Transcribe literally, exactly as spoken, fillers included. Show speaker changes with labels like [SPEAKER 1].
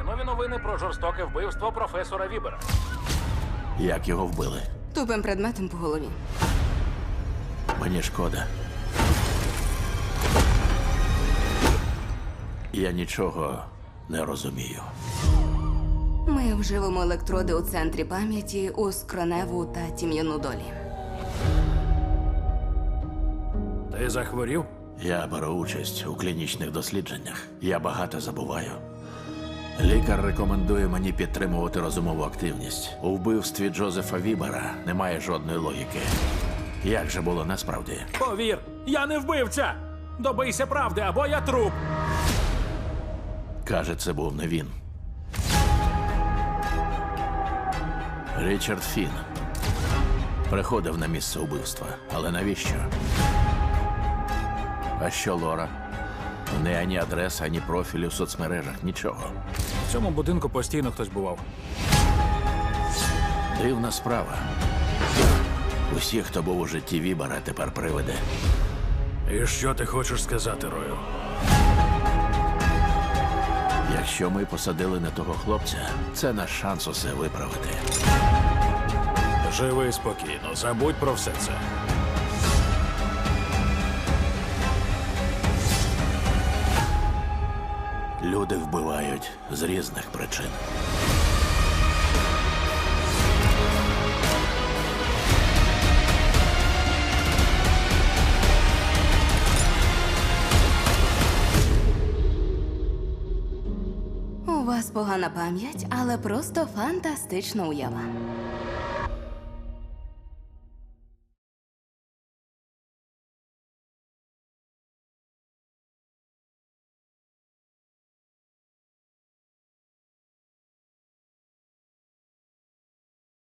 [SPEAKER 1] Нові новини про жорстоке вбивство професора Вібера.
[SPEAKER 2] Як його вбили?
[SPEAKER 3] Тупим предметом по голові.
[SPEAKER 2] Мені шкода. Я нічого не розумію.
[SPEAKER 3] Ми вживемо електроди у центрі пам'яті у скроневу та тім'яну долі.
[SPEAKER 1] Ти захворів?
[SPEAKER 2] Я беру участь у клінічних дослідженнях. Я багато забуваю. Лікар рекомендує мені підтримувати розумову активність. У вбивстві Джозефа Вібера немає жодної логіки. Як же було насправді?
[SPEAKER 1] Повір, я не вбивця! Добийся правди, або я труп!
[SPEAKER 2] Каже, це був не він. Річард Фін приходив на місце убивства. Але навіщо? А що Лора? У неї ані адреса, ані профілю в соцмережах, нічого.
[SPEAKER 1] В цьому будинку постійно хтось бував.
[SPEAKER 2] Дивна справа. Усі, хто був у житті Вібера, тепер привиде.
[SPEAKER 1] І що ти хочеш сказати, Рою?
[SPEAKER 2] Якщо ми посадили не того хлопця, це наш шанс усе виправити.
[SPEAKER 1] Живи спокійно, забудь про все це.
[SPEAKER 2] Люди вбивають з різних причин.
[SPEAKER 3] У вас погана пам'ять, але просто фантастична уява.